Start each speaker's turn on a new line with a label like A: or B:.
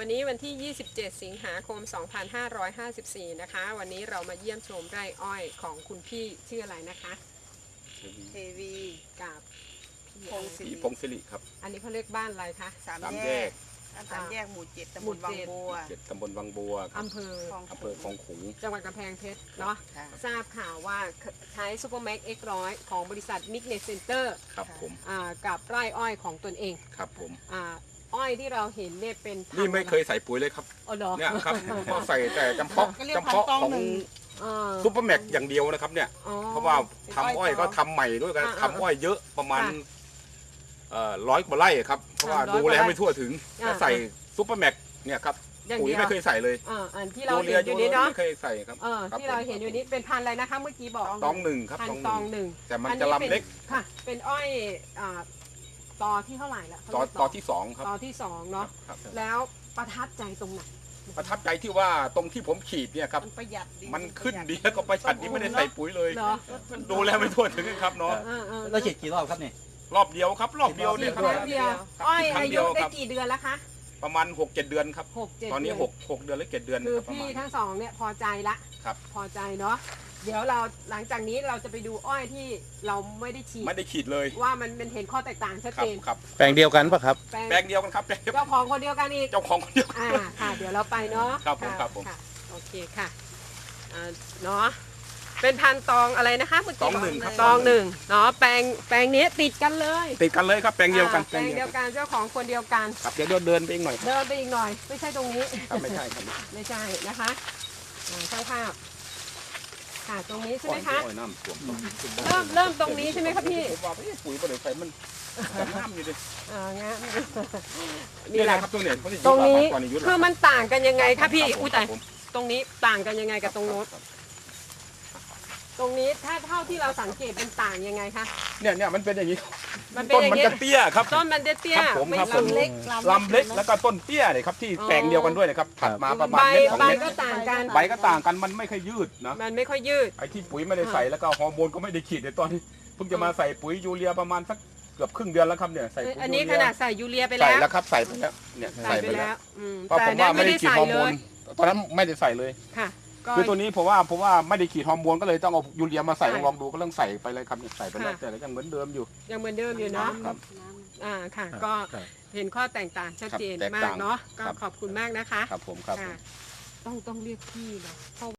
A: วันนี้วันที่ 27 สิงหาคม 2554 นะคะวันนี้เรามาเยี่ยมชมไร่อ้อยของคุณพี่ชื่ออะไรนะคะ
B: เทวี
A: กับ
B: พี่
C: พงศิริครับ
A: อันนี้เขาเรียกบ้านอะไรคะ
B: สามแยกหมู่ 7 ตำบลวังบัว
C: ตำบลวังบัว
A: อำเภอ
C: คลองขุง
A: จังหวัดกำแพงเพชรเนาะทราบข่าวว่าใช้ซูเปอร์แม็กซ์ X100 ของบริษัทมิกเนสเซ็นเตอร์
C: ครับผม
A: กับไร่อ้อยของตนเอง
C: ครับผม
A: อ้อยที่เราเห็นเนี่ยเป็น
C: นี่ไม่เคยใส่ปุ๋ยเลยครับเนี่ยครับก็ใส่แต่จำเพาะของซุปเปอร์แม็กอย่างเดียวนะครับเนี่ยเพราะว่าทำอ้อยก็ทำใหม่ด้วยกันทำอ้อยเยอะประมาณ100 กว่าไร่ครับเพราะว่าดูแลไม่ทั่วถึงก็ใส่ซุปเปอร์แม็กเนี่ยครับปุ๋ยไม่เคยใส่เลย
A: อันที่เราเห็นอยู่นี้เนาะ
C: ไม่เคยใส่ครับ
A: ที่เราเห็นอยู่นี้เป็นพันธุ์อะไรนะคะเมื่อกี้บอก
C: ตองหนึ่งครับ
A: ตองหนึ่ง
C: แต่มันจะลำเล็ก
A: ค่ะเป็นอ้อยตอที่เท่าไหร่ละ
C: ตอที่2ครับ
A: ตอที่2เนาะแล้วประทับใจตรงไหน
C: ประทับใจที่ว่าตรงที่ผมขีดเนี่ยครับ
B: ประหยัดดี
C: มันขึ้นดีแล้วก็ประหยัดดีไม่ได้ใส่ปุ๋ยเลยดูแลไม่ทั่วถึงครับเนาะ
D: เราฉีดกี่รอบครับเนี่ย
C: รอบเดียวครับรอบเดียวเนี่ยครับ
A: อ้อยอายุได้กี่เดือนแล้วคะ
C: ประมาณ 6-7 เดือนครับตอนนี้6 เดือนหรือ7 เดือน
A: คือพี่ทั้งสองเนี่ยพอใจละ
C: ครับ
A: พอใจเนาะเดี๋ยวเราหลังจากนี้เราจะไปดูอ้อยที่เราไม่ได้ฉีด
C: เลย
A: ว่ามันเห็นข้อแตกต่างชัดเจน
C: ครับ
D: แปลงเดียวกันปะครับ
C: แปลงเดียวกันครับ
A: เจ้าของคนเดียวกันอีก
C: เจ้าของคนเดียว
A: ค่ะเดี๋ยวเราไปเนาะ
C: ครับผม
A: โอเคค่ะเนาะเป็นพันตองอะไรนะคะเมื่อกี้
C: ตองหนึ่งครับ
A: ตองหนึ่งเนาะแปลงนี้ติดกันเลย
C: ครับแปลงเดียวกัน
A: เจ้าของคนเดียวกัน
C: ครับเดี๋ยวเดินไปอีกหน่อย
A: ไม่ใช่ตรงนี้
C: ไม่ใช่ครับ
A: ไม่ใช่นะคะช่างภาพค่ะตรงนี้ใช่ไหมคะเริ่มตรงนี้ใช่ไหมครับพี่
C: ผมว่าปุ๋ยประเดี๋ยวไปมันน้ำอยู่ดิ
A: งั้น
C: นี่แหละครับตรงนี้
A: คือมันต่างกันยังไงคะพี่อุ้ยแต่ตรงนี้ต่างกันยังไงกับตรงโน้นตรงนี้ถ้าเท่าที่เราสังเกตเป็นต่างยังไงคะ
C: เนี่ยมันเป็นอย่างนี้
A: ต้น
C: มันจะเตี้ยครับ
A: ต้นมันจะเตี้ย
C: ไม่ลำเล็กแล้วก็ต้นเตี้ยเลยครับที่แปลงเดียวกันด้วยนะครับถัดมาประมาณเม็ด2
A: เม็ด
C: ใบ
A: ก็ต่างกัน
C: มันไม่ค่อยยืดนะ
A: มันไม่ค่อยยืด
C: ไอ้ที่ปุ๋ยไม่ได้ใส่แล้วก็ฮอร์โมนก็ไม่ได้ฉีดในตอนนี้เพิ่งจะมาใส่ปุ๋ยยูเรียประมาณสักเกือบครึ่งเดือนแล้วครับเนี่ยใส่
A: อันนี้ขนาดใส่ยูเรียไปแล้ว
C: ใส่แล้วครับใส่ไปแล้วเนี่ยใส่ไปแล้วเพราะผมว่าไม่ได้ฉีดฮอร์โมนตอนนั้นไม่ได้ใส่เลย
A: ค่ะ
C: คือตัวนี้ผมว่าไม่ได้ขีดฮอร์โมนก็เลยต้องเอายูเรียมาใส่ลองดูก็ต้องใส่ไปเลยครับใส่ไปแล้วแต่ยังเหมือนเดิมอยู่
A: เนาะค่ะก็เห็นข้อแตกต่างชัดเจนมากเนาะก็ขอบคุณมากนะคะ
C: ครับผมครับ
A: ต้องเรียกพี่เนาะ